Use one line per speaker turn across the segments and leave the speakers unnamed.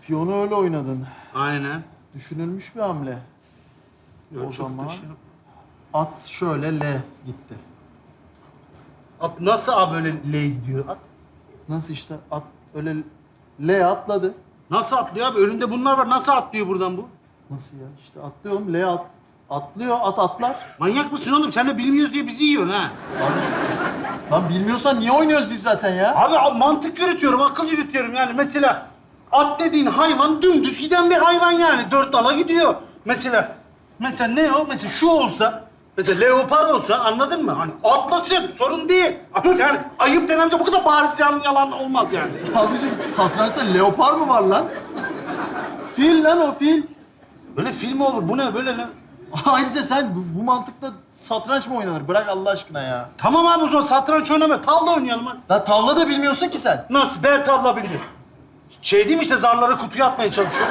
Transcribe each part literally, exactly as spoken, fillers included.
Piyonu öyle oynadın.
Aynen.
Düşünülmüş bir hamle.
Yok,
O
çok
zaman
da şey yok.
at şöyle L gitti.
At nasıl abi böyle L gidiyor at?
Nasıl işte at öyle L atladı.
Nasıl atlıyor abi? Önünde bunlar var. Nasıl atlıyor buradan bu?
Nasıl ya? İşte atlıyorum L at. Atlıyor at atlar.
Manyak mısın oğlum? Sen de bilmiyoruz diye bizi yiyorsun ha.
Lan bilmiyorsan niye oynuyoruz biz zaten ya?
Abi a- mantık yürütüyorum, akıl yürütüyorum yani. Mesela at dediğin hayvan dümdüz giden bir hayvan yani. Dört nala gidiyor. Mesela, mesela ne o? Mesela şu olsa, mesela leopar olsa anladın mı? Hani atlasın, sorun değil. Ama yani ayıp denen şey bu kadar bariz yalan, yalan olmaz yani.
Abiciğim satrançta leopar mı var lan? Fil lan o fil.
Böyle film mi olur? Bu ne böyle ne?
Ayrıca sen bu, bu mantıkla satranç mı oynanır? Bırak Allah aşkına ya.
Tamam abi o zaman satranç oynama. Tavla oynayalım hadi.
La tavla da bilmiyorsun ki sen.
Nasıl? Ben tavla biliyorum. Şey değil mi işte zarları kutuya atmaya çalışıyor.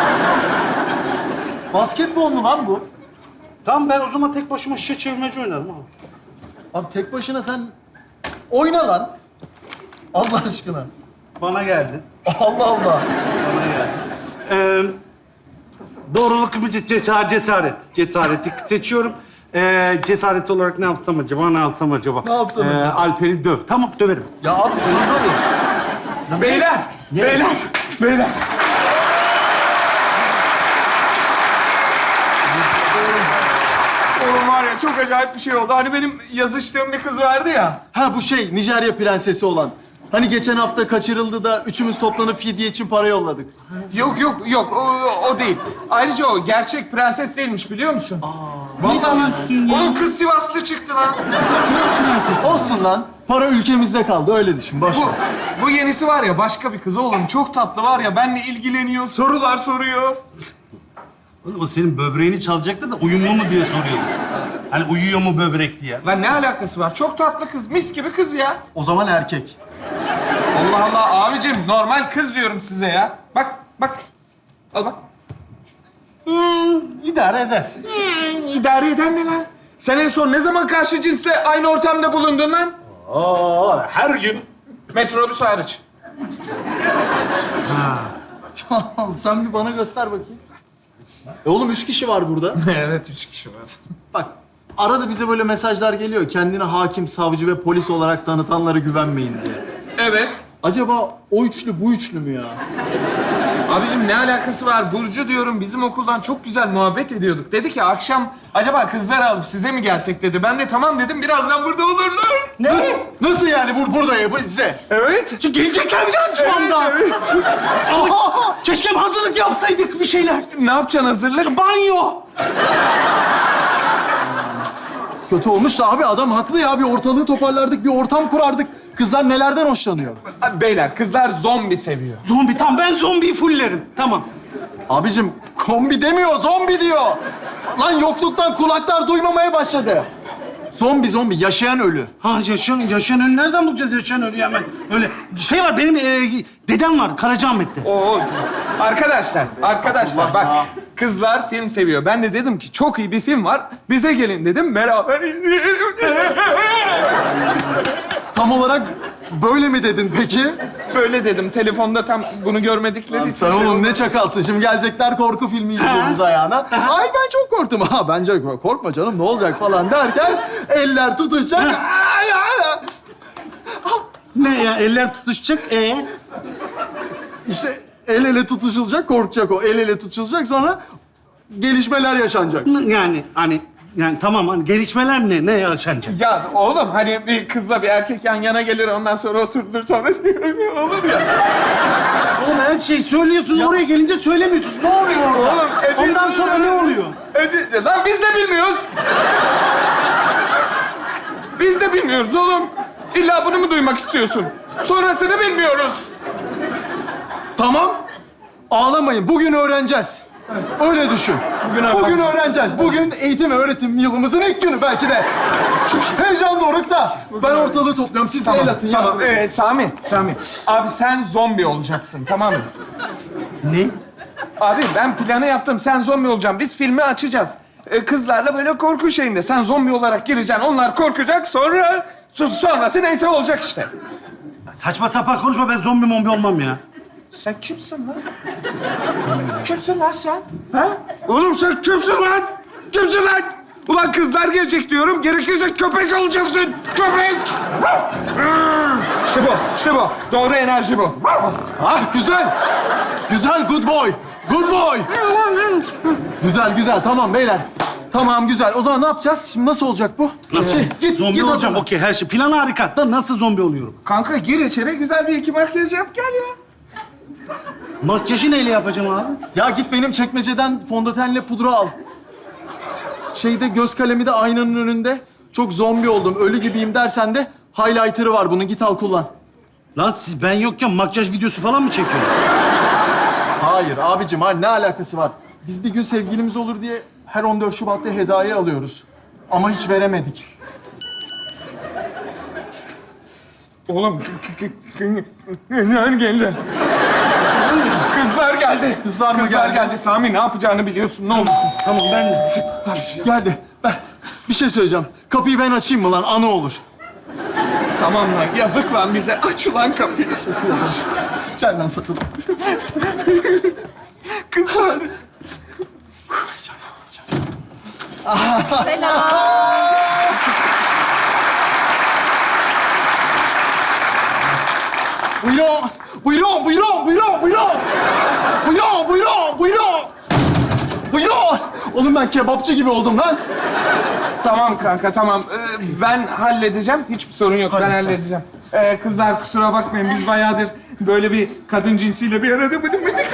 Basketbol mu lan bu?
Tamam ben o zaman tek başıma şişe çevirmeci oynarım abi.
Abi tek başına sen oyna lan. Allah aşkına.
Bana geldi.
Allah Allah.
Bana geldi. Ee, doğruluk mu cesaret? Cesaret. Cesareti seçiyorum. Ee, cesaret olarak ne yapsam acaba? Ne yapsam acaba?
Ne yapsam
Ee,
acaba?
Alper'i döv. Tamam döverim.
Ya abi oyna abi.
Beyler, beyler, beyler. Oğlum var ya çok acayip bir şey oldu. Hani benim yazıştığım bir kız vardı ya.
Ha bu şey Nijerya prensesi olan. Hani geçen hafta kaçırıldı da üçümüz toplanıp fidye için para yolladık.
Yok yok yok o, o değil. Ayrıca o gerçek prenses değilmiş biliyor musun? Vallahi
diyorsun ya?
onun kız Sivaslı çıktı lan.
Sivas prensesi.
Olsun lan. Para ülkemizde kaldı öyle düşün. Boş
Bu,
ver.
bu yenisi var ya başka bir kız oğlum. Çok tatlı var ya benimle ilgileniyor, sorular soruyor.
Oğlum o senin böbreğini çalacaktı da uyumlu mu diye soruyordu. Hani uyuyor mu böbrek diye.
Lan ne alakası var? Çok tatlı kız, mis gibi kız ya.
O zaman erkek.
Allah Allah abicim normal kız diyorum size ya. Bak bak. Al bak.
Hmm, idare eder.
İdare eden ne lan? Sen en son ne zaman karşı cinsle aynı ortamda bulundun lan?
Aa, her gün.
Metrobüs hariç.
Tamam sen bir bana göster bakayım. E oğlum üç kişi var burada.
Evet, üç kişi var.
Bak arada bize böyle mesajlar geliyor. Kendini hakim, savcı ve polis olarak tanıtanlara güvenmeyin diye.
Evet.
Acaba o üçlü bu üçlü mü ya?
Abicim ne alakası var? Burcu diyorum bizim okuldan çok güzel muhabbet ediyorduk. Dedi ki akşam acaba kızları alıp size mi gelsek dedi. Ben de tamam dedim birazdan burada olurlar.
Ne? Nasıl, nasıl yani bur burada ya bu bize?
Evet.
Çünkü gelecekler mi canım şu anda?
Evet, evet.
Aa, keşke hazırlık yapsaydık bir şeyler.
Ne yapacaksın hazırlık?
Banyo.
Kötü olmuş da abi adam haklı ya. Bir ortalığı toparlardık, bir ortam kurardık. Kızlar nelerden hoşlanıyor?
Beyler kızlar zombi seviyor.
Zombi tamam ben zombiyi fullerim. Tamam.
Abicim kombi demiyor, zombi diyor. Lan yokluktan kulaklar duymamaya başladı. Zombi zombi, yaşayan ölü.
Ha yaşayan, yaşayan ölü nereden bulacağız yaşayan ölüyü hemen? Öyle şey var benim e, dedem var Karacaahmet'te.
Oo. Arkadaşlar, arkadaşlar bak.
ya.
Kızlar film seviyor. Ben de dedim ki çok iyi bir film var. Bize gelin dedim. Beraber izleyelim.
Tam olarak böyle mi dedin peki?
Böyle dedim. Telefonda tam bunu görmedikleri için.
Sen
şey
oğlum
oldu.
ne çakalsın. Şimdi gelecekler korku filmi izliyoruz ayağına. Ay ben çok korktum. Ha bence korkma canım ne olacak falan derken eller tutuşacak. Ay, ay, ay.
Ne ya eller tutuşacak e?
İşte el ele tutuşulacak, korkacak o. El ele tutuşulacak sonra gelişmeler yaşanacak.
Yani hani yani tamam hani gelişmeler ne ne yaşanacak?
Ya oğlum hani bir kızla bir erkek yan yana gelir ondan sonra oturulur sonra olur ya.
Oğlum her şeyi söylüyorsun oraya gelince söylemiyorsun. Ne oluyor orada?
Oğlum, e-
Ondan sonra ne oluyor?
Hadi, lan biz de bilmiyoruz. Biz de bilmiyoruz oğlum. İlla bunu mu duymak istiyorsun? Sonrasını bilmiyoruz.
Tamam. Ağlamayın. Bugün öğreneceğiz. Öyle düşün.
Bugün
Bugün,
öğreneceğiz.
öğreneceğiz. Bugün eğitim ve öğretim yılımızın ilk günü belki de. Çok heyecanlı orukta. Ben ortalığı topluyorum. Siz de el atın.
Tamam.
yardım edin.
Ee, Sami, Sami. Abi sen zombi olacaksın, tamam mı?
Ne?
Abi ben planı yaptım. Sen zombi olacaksın. Biz filmi açacağız. Ee, kızlarla böyle korku şeyinde. Sen zombi olarak gireceksin. Onlar korkacak. Sonra sonrası neyse olacak işte.
Saçma sapan konuşma ben zombi mombi olmam ya.
Sen kimsin lan? Kimsin lan sen? Ha? Oğlum sen kimsin lan? Kimsin lan? Ulan kızlar gelecek diyorum. Gerekirse köpek olacaksın. Köpek! İşte bu, işte bu. Doğru enerji bu.
Ah güzel. Güzel, good boy. Good boy. Güzel, güzel. Tamam beyler. Tamam, güzel. O zaman ne yapacağız? Şimdi nasıl olacak bu?
Nasıl?
Şey, git,
zombi
git o
olacağım.
zaman.
Okey, her şey. Plan harika. Da nasıl zombi oluyorum?
Kanka gir içeri, güzel bir iki makyaj yap gel ya.
Makyajı neyle yapacağım abi?
Ya git benim çekmeceden fondötenle pudra al. Şeyde göz kalemi de aynanın önünde. Çok zombi oldum, ölü gibiyim dersen de highlighter'ı var bunun. Git al kullan.
Lan siz ben yokken makyaj videosu falan mı çekiyorsunuz?
Hayır abicim, hayır, ne alakası var? Biz bir gün sevgilimiz olur diye her on dört Şubat'ta hediye alıyoruz. Ama hiç veremedik.
Oğlum, kızlar geldi. Kızlar geldi.
Kızlar mı
Kızlar
geldi?
geldi. Sami ne yapacağını biliyorsun, ne olursun.
Tamam ben...
Geldi. Ben bir şey söyleyeceğim. Kapıyı ben açayım mı lan? Anı olur.
Tamam lan, yazık lan bize. Aç ulan kapıyı.
Gel lan sakın.
Kızlar.
Buyurun, buyurun, buyurun, buyurun, buyurun. Buyurun, buyurun, buyurun. Buyurun. Oğlum ben kebapçı gibi oldum lan.
Tamam kanka, tamam. Ee, ben halledeceğim. Hiçbir sorun yok, ben
Hallet sen.
halledeceğim. Ee, kızlar kusura bakmayın, biz bayağıdır böyle bir kadın cinsiyle bir arada bulunmadık.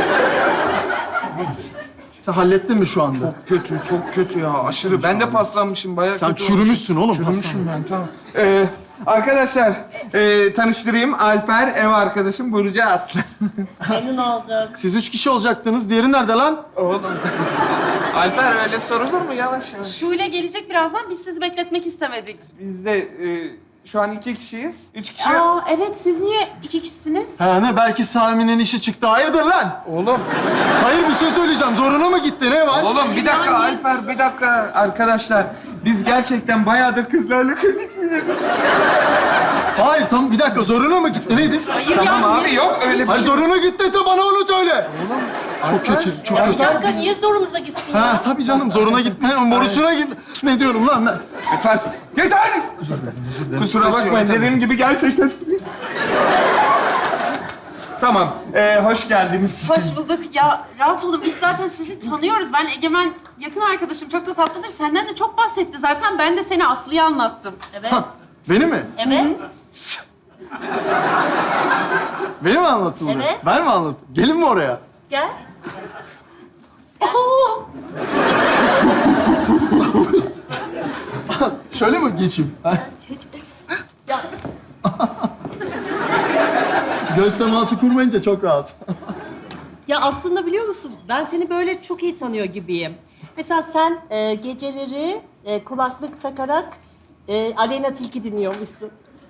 Sen hallettin mi şu anda?
Kötü, çok kötü ya. Aşırı. Ben de paslanmışım, bayağı
Sen
kötü
çürümüşsün oğlum.
olmuş. Çürümüşüm ben, tamam. Ee, arkadaşlar, e, tanıştırayım. Alper, ev arkadaşım Burcu Aslı.
Memnun olduk.
Siz üç kişi olacaktınız. Diğeri nerede lan?
Oğlum. Alper öyle sorulur mu? Yavaş yavaş.
Şule gelecek birazdan. Biz sizi bekletmek istemedik.
Biz de e, şu an iki kişiyiz. Üç kişi...
Aa evet, siz niye iki kişisiniz?
Ha ne? Belki Sami'nin işi çıktı. Hayırdır lan?
Oğlum,
Hayır, bir şey söyleyeceğim. Zoruna mı gitti? Ne var?
oğlum bir dakika
Yani-
Alper, bir dakika arkadaşlar. Biz gerçekten bayağıdır kızlarla konuşmuyoruz.
Hayır, tam bir dakika. Zoruna mı gitti? Nedir?
Hayır
Tamam
ya.
abi,
niye-
yok öyle bir
Hayır,
şey.
zoruna gitti de bana onu söyle. Çok kötü, çok kötü.
Kanka niye zorumuza gitsin ya?
Ha tabii canım, zoruna gitme. Borusuna git. Ne diyorum lan ben?
Yeter, yeter! Kusura
Stresi
bakmayın,
yönetemem.
dediğim gibi gerçekten... Tamam, ee, hoş geldiniz.
Hoş bulduk. Ya rahat olun. Biz zaten sizi tanıyoruz. Ben Egemen yakın arkadaşım. Çok da tatlıdır. Senden de çok bahsetti zaten. Ben de seni Aslı'ya anlattım.
Evet.
Beni mi?
Evet.
Beni mi anlatıldı?
Evet.
Ben mi anlattım? Gelin mi oraya?
Gel.
Şöyle mi geçeyim? Ha?
Ya
Göz teması kurmayınca çok rahat.
Ya aslında biliyor musun? Ben seni böyle çok iyi tanıyor gibiyim. Mesela sen e, geceleri e, kulaklık takarak e, Aleyna Tilki dinliyormuşsun.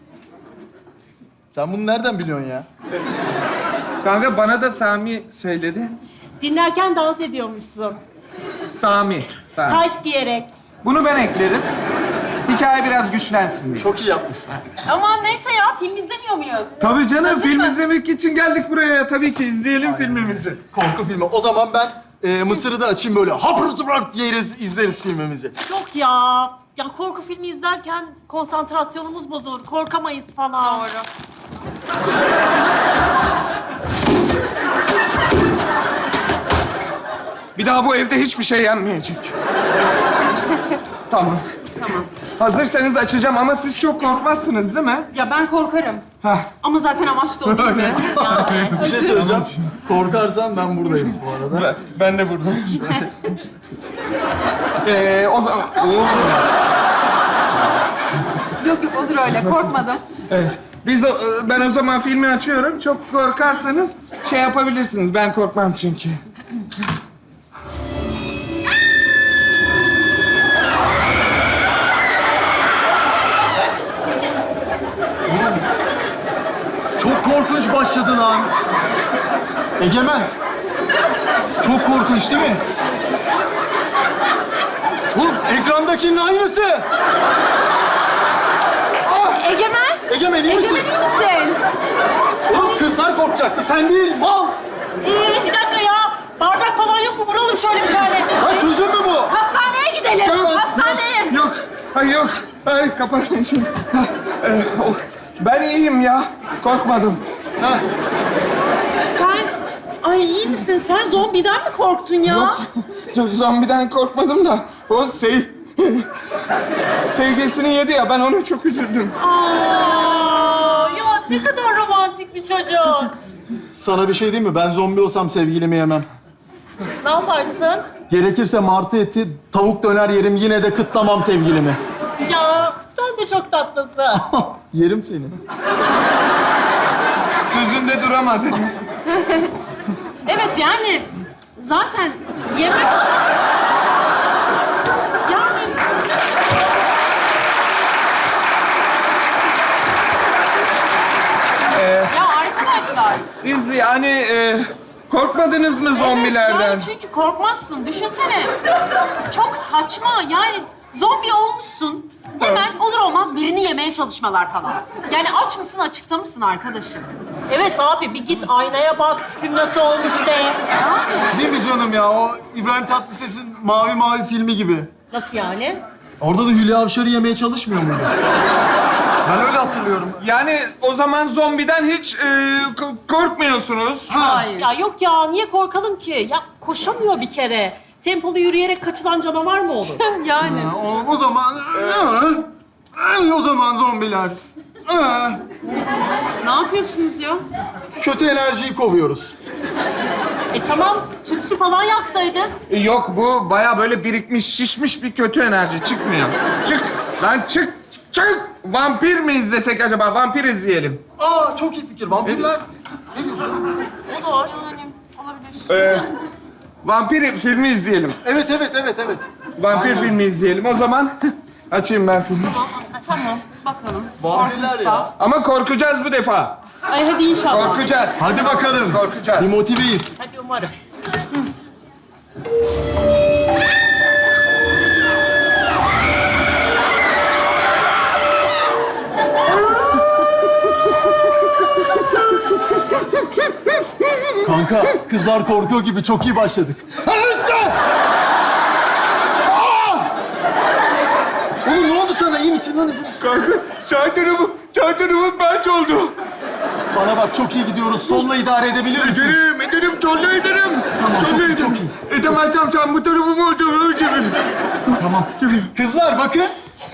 Sen bunu nereden biliyorsun ya?
Kanka bana da Sami söyledi.
Dinlerken dans ediyormuşsun.
Sami, Sami.
Tight giyerek.
Bunu ben ekledim. Hikaye biraz güçlensin diye.
Çok iyi yapmışsın.
Aman neyse ya. Film izlemiyor muyuz?
Tabii canım,
Hazır
film
mı?
izlemek için geldik buraya. Tabii ki izleyelim filmimizi.
Korku filmi. O zaman ben e, Mısır'ı da açayım böyle. Hapırt yeriz, izleriz filmimizi.
Yok ya. Ya korku filmi izlerken konsantrasyonumuz bozulur. Korkamayız falan.
Doğru.
Bir daha bu evde hiçbir şey yenmeyecek. Tamam.
Tamam.
Hazırsanız açacağım ama siz çok korkmazsınız değil mi?
Ya ben korkarım.
Hah.
Ama zaten amaç da o değil mi?
Bir şey söyleyeceğim. Korkarsan ben buradayım bu arada.
Ben, ben de buradayım. ee, o zaman... Oo.
Yok yok, olur öyle. Korkmadım.
Evet. Biz o, ben o zaman filmi açıyorum. Çok korkarsanız şey yapabilirsiniz. Ben korkmam çünkü.
Çok korkunç başladı lan. Egemen. Çok korkunç değil mi? Oğlum ekrandakinin aynısı.
Egemen!
Egemen iyi misin?
Egemen iyi misin?
Oğlum kızlar korkacaktı, sen değil, mal!
Ee, bir dakika ya. Bardak falan yok mu? Vuralım şöyle bir tane.
Ha çözüm mü bu?
Hastaneye gidelim.
Yok,
Hastaneye.
Yok. Ay yok. Ay kapatın şunu. Ha, e, oh. Ben iyiyim ya. Korkmadım.
Ha,
Sen... Ay iyi misin? Sen zombiden mi korktun ya?
Yok. Zombiden korkmadım da o sev... Sevgilisini yedi ya, ben ona çok üzüldüm.
Aa, ya ne kadar romantik bir çocuk.
sana bir şey diyeyim mi? Ben zombi olsam sevgilimi yemem.
Ne yaparsın?
Gerekirse martı eti, tavuk döner yerim, yine de kıtlamam sevgilimi.
Ya sen de çok tatlısın.
Yerim seni.
Sözünde duramadı.
Evet yani zaten yemek... Yani... Ya arkadaşlar...
Siz yani e, korkmadınız mı
Evet,
zombilerden?
yani çünkü korkmazsın. Düşünsene. Çok saçma. Yani zombi olmuşsun. Hemen olur olmaz birini yemeye çalışmalar falan. Yani aç mısın, açıkta mısın arkadaşım?
Evet abi bir git aynaya bak tipim nasıl olmuş de.
Değil mi canım ya? O İbrahim Tatlıses'in Mavi Mavi filmi gibi.
Nasıl yani?
Orada da Hülya Avşar'ı yemeye çalışmıyor muydu? Ben öyle hatırlıyorum.
Yani o zaman zombiden hiç e, ko- korkmuyorsunuz.
Hayır.
Ya yok ya niye korkalım ki? Ya koşamıyor bir kere. Tempolu yürüyerek kaçılan canavar mı olur?
Yani.
O, o zaman... Ee, o zaman zombiler. Ee,
Ne yapıyorsunuz ya?
kötü enerjiyi kovuyoruz.
E tamam tütsü falan yaksaydın.
E, Yok, bu baya böyle birikmiş, şişmiş bir kötü enerji. Çıkmıyor. Çık. Lan çık. Çık. Vampir mi izlesek acaba? Vampir izleyelim.
Aa çok iyi fikir. Vampirler... Ne diyorsun?
Olur.
Yani olabilir.
Ee, vampir filmi izleyelim.
Evet, evet, evet, evet.
Vampir
Aynen.
filmi izleyelim. O zaman açayım ben filmi.
Tamam, bakalım.
Vampirler
Korkunçsa.
ya.
Ama korkacağız bu defa.
Ay hadi inşallah.
Korkacağız.
Hadi bakalım.
Korkacağız.
Bir motiveyiz.
Hadi umarım.
Kanka, kızlar korkuyor gibi çok iyi başladık. Anasın! Aa! Oğlum ne oldu sana? İyi misin lan?
Kanka, sağ tarafım, sağ tarafım benç oldu.
Bana bak çok iyi gidiyoruz. Solla idare edebilir misin?
Ederim, ederim, tolla ederim.
Tamam, çok
Tolla
iyi,
ederim.
çok iyi.
E tamam, tamam, tamam. Bu tarafım oldu, ölçümüm.
Tamam. Kızlar bakın.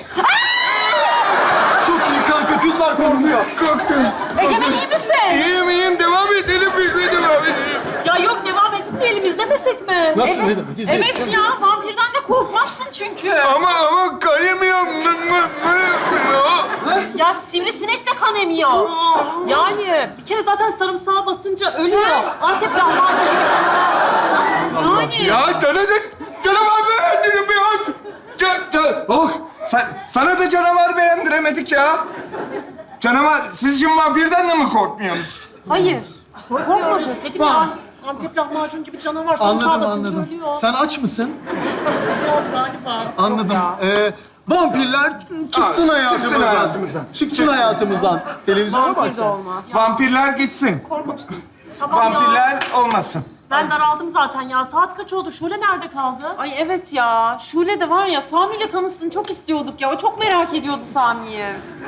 Çok iyi kanka. Kızlar korkuyor.
Korktum.
Egemen iyi misin?
İyiyim, iyiyim. Devam edelim, filme devam edelim.
Ya yok devam etmeyelim izlemesek mi?
Nasıl? Ne demek? İzleyin.
Evet ya, vampirden de korkmazsın çünkü.
Ama, ama kayamıyorum.
Ya sivrisinek de kan emiyor.
Yani bir kere zaten sarımsağa basınca ölüyor. Antep lahmacun gibi canavar.
Yani.
Ya tanıdık. Canavar beğendirim ya. Can, can. Oh, sen, sana da canavar beğendiremedik ya. Canavar, siz şimdi vampirden de mi korkmuyorsunuz?
Hayır.
Korkmadı. Dedim ya Antep lahmacun gibi canavar sarımsağa
Anladım,
basınca
anladım.
ölüyor.
Sen aç mısın?
Çok galiba.
Anladım. Ee, vampirler çıksın
Aa,
hayatımızdan.
çıksın hayatımızdan.
Çıksın,
Çıksın.
hayatımızdan. Televizyona
Vampir
bak
de
sen.
olmaz.
Vampirler gitsin.
Korkunç değil.
Tamam ya.
Vampirler olmasın.
Ben daraldım zaten ya. Saat kaç oldu? Şule nerede kaldı?
Ay evet ya. Şule de var ya, Sami ile tanışsın çok istiyorduk ya. O çok merak ediyordu Sami'yi.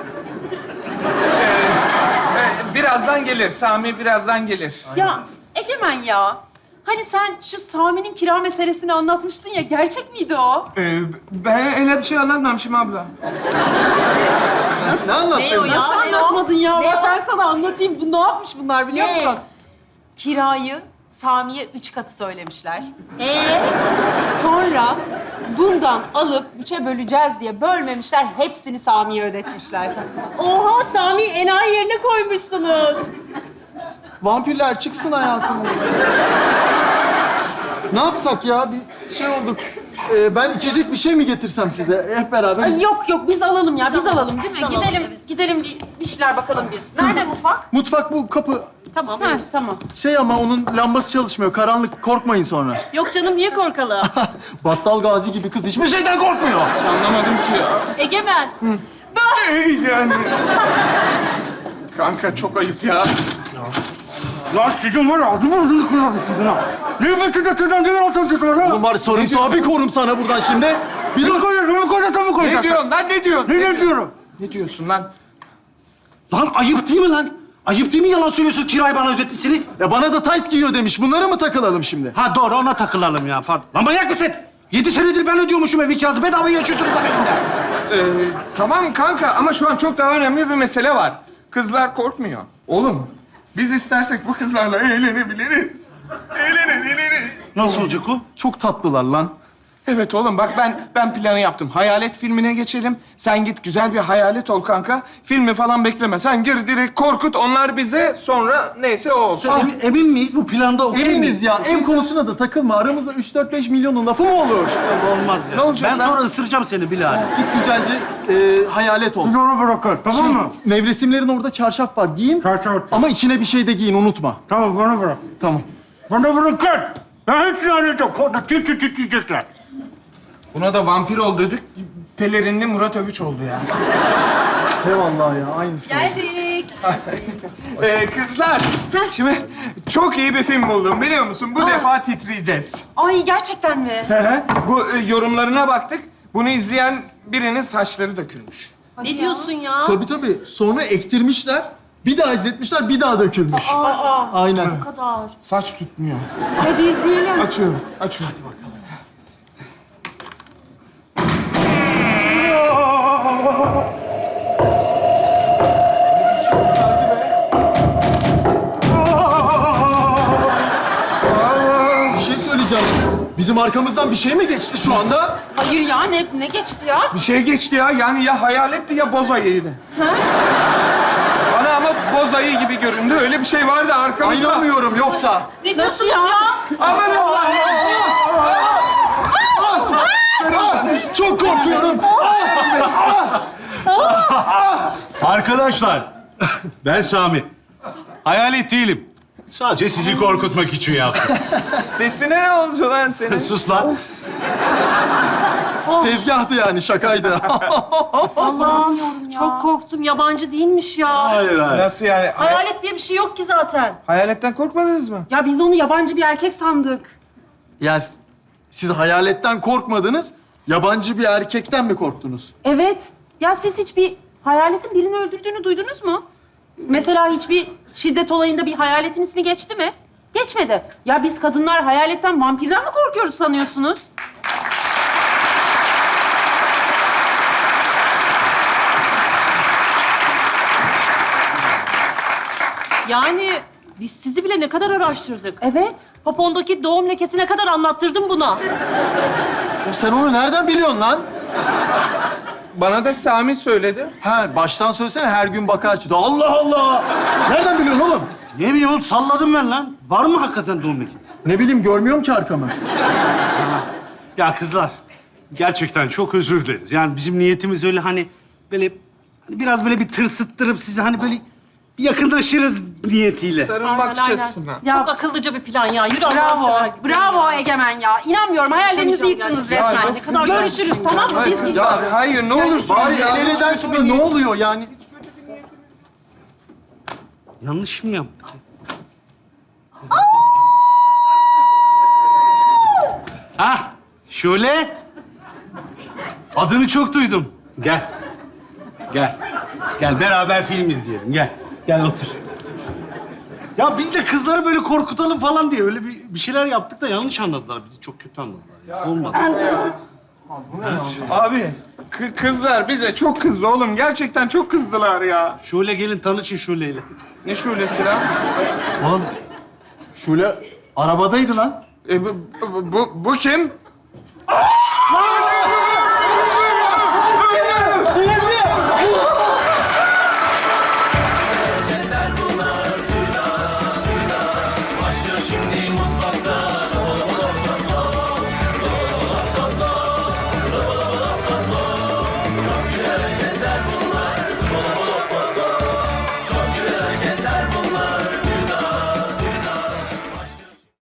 Ee, birazdan gelir. Sami birazdan gelir.
Ya Egemen ya. Hani sen şu Sami'nin kira meselesini anlatmıştın ya. Gerçek miydi o?
Ee, ben öyle bir şey anlatmamışım abla.
Nasıl?
Ne anlattın?
Ne o ya?
Nasıl
ne o?
anlatmadın ya?
Ne
Bak
o?
ben sana anlatayım. Bu ne yapmış bunlar biliyor
Ne?
musun? Kirayı Sami'ye üç katı söylemişler.
Ee,
Sonra bundan alıp üçe böleceğiz diye bölmemişler. Hepsini Sami'ye ödetmişler.
oha Sami enayi yerine koymuşsunuz.
Vampirler çıksın hayatımızdan. Ne yapsak ya? Bir şey olduk. Ee, ben içecek bir şey mi getirsem size? Hep beraber.
Ay yok yok biz alalım ya biz alalım değil mi?
Tamam.
Gidelim gidelim bir, bir şeyler bakalım biz. Nerede mutfak?
Mutfak bu kapı.
Tamam.
Ha tamam.
Şey ama onun lambası çalışmıyor. Karanlık. Korkmayın sonra.
Yok canım niye korkalım?
Battal Gazi gibi kız hiçbir şeyden korkmuyor.
Anlamadım ki ya.
Egemen. Ben...
Ey yani. Kanka çok ayıp ya.
Ya
Ya sizin var ya adımı adını kırarım sizin ha. Ne bekledin sizden değil altın çıkıyor ha?
Oğlum var sarımsağı bir korum sana buradan şimdi. Bir
Ne
dur.
koyacaksın, ne koyacaksın, ne koyacaksın?
Ne diyorsun lan, ne diyorsun?
Ne ne diyorum?
Ne diyorsun lan?
Lan ayıp değil mi lan? Ayıp değil mi yalan söylüyorsunuz, kirayı bana ödetmişsiniz?
Ya bana da tayt giyiyor demiş. Bunlara mı takılalım şimdi?
Ha doğru, ona takılalım ya. Pardon. Lan manyak mısın? Yedi senedir ben ödüyormuşum ev kirası. Bedava yaşıyorsunuz lan evimde.
Ee, tamam kanka ama şu an çok daha önemli bir mesele var. Kızlar korkmuyor. Oğlum, biz istersek bu kızlarla eğlenebiliriz. Eğlenebiliriz.
Nasıl olacak o?
Çok tatlılar lan.
Evet oğlum bak ben ben planı yaptım. Hayalet filmine geçelim. Sen git güzel bir hayalet ol kanka. Filmi falan bekleme. Sen gir direkt korkut. Onlar bize sonra neyse o olsun.
Emin, emin miyiz bu planda okey
Eminiz
miyiz?
ya. Ev konusuna da takılma. Aramızda üç dört beş milyonun lafı mı olur?
Olmaz ya.
Ne olacak
Ben
lan?
sonra ısıracağım seni Bilal.
Git güzelce e, hayalet ol.
onu bırakın, tamam mı?
Nevresimlerin orada çarşaf var. Giyin.
Çarşaf.
Ama içine bir şey de giyin. Unutma.
Tamam, bana bırak.
Tamam.
Bana bırakın. Ben hiç lanet yok. Orada tit tit tit diyecekler.
Buna da vampir ol dedik. Pelerinli Murat Övüç oldu ya.
Eyvallah ya. Aynısı.
Geldik.
Ee, kızlar, şimdi çok iyi bir film buldum biliyor musun? Bu defa titreyeceğiz.
Ay gerçekten mi?
Bu e, yorumlarına baktık. Bunu izleyen birinin saçları dökülmüş.
Ne diyorsun ya?
Tabii tabii. Sonra ektirmişler. Bir daha izletmişler. Bir daha dökülmüş. Aynen.
Bu kadar.
Saç tutmuyor.
Hadi izleyelim.
Açıyorum, açıyorum.
Bir şey söyleyeceğim. Bizim arkamızdan bir şey mi geçti şu anda?
Hayır ya ne, ne geçti ya?
Bir şey geçti ya. Yani ya hayaletti ya boz ayıydı. Bana ama boz ayı gibi göründü. Öyle bir şey vardı
Ay,
arkamızda.
İnanmıyorum yoksa.
Ne
Nasıl
diyorsun
ya?
Aman Allah!
Çok korkuyorum.
Arkadaşlar, ben Sami. Hayalet değilim. Sadece sizi korkutmak için yaptım.
Sesine ne oldu lan senin?
Sus lan.
Tezgahtı yani. Şakaydı.
Allah'ım çok korktum. Yabancı değilmiş ya.
Hayır, hayır.
Nasıl yani? Hay-
Hayalet diye bir şey yok ki zaten.
Hayaletten korkmadınız mı?
Ya biz onu yabancı bir erkek sandık.
Ya siz hayaletten korkmadınız. Yabancı bir erkekten mi korktunuz?
Evet. Ya siz hiç bir hayaletin birini öldürdüğünü duydunuz mu? Mesela hiçbir şiddet olayında bir hayaletin ismi geçti mi? Geçmedi. Ya biz kadınlar hayaletten, vampirden mi korkuyoruz sanıyorsunuz?
Yani biz sizi bile ne kadar araştırdık.
Evet.
Popondaki doğum lekesine kadar anlattırdım buna.
Oğlum sen onu nereden biliyorsun lan?
Bana da Sami söyledi.
Ha baştan söylesene her gün bakar çıktı. Allah Allah! Nereden biliyorsun oğlum?
Ne bileyim oğlum, salladım ben lan. Var mı hakikaten doğum lekesi?
Ne bileyim görmüyorum ki arkamı.
Ya kızlar, gerçekten çok özür dileriz. Yani bizim niyetimiz öyle hani böyle hani biraz böyle bir tırsıttırıp sizi hani böyle bir yakınlaşırız niyetiyle.
Sarılmakçasına.
Ya-
Çok akıllıca bir plan ya. Yürü Allah'ını
Bravo.
seversen.
Bravo Egemen ya. İnanmıyorum. Hayallerimizi
Konuşamayacağım
yıktınız
gerçekten.
resmen.
Ya, ne kadar
Görüşürüz tamam mı?
Hayır,
Biz
kızlar, hayır ne olursun.
Bari el eleden sonra ne oluyor yani?
Yanlış mı yaptık? Hah, Şule. Adını çok duydum. Gel. Gel. Gel beraber film izleyelim. Gel. Gel otur. Ya biz de kızları böyle korkutalım falan diye öyle bir, bir şeyler yaptık da yanlış anladılar bizi. Çok kötü anladılar. Ya. Olmadı.
Abi, kı- kızlar bize çok kızdı oğlum. Gerçekten çok kızdılar ya.
Şule gelin tanışın Şule'yle.
Ne şöylesi lan?
Oğlum şöyle arabadaydı lan.
E, bu, bu, bu, bu kim?
Lan!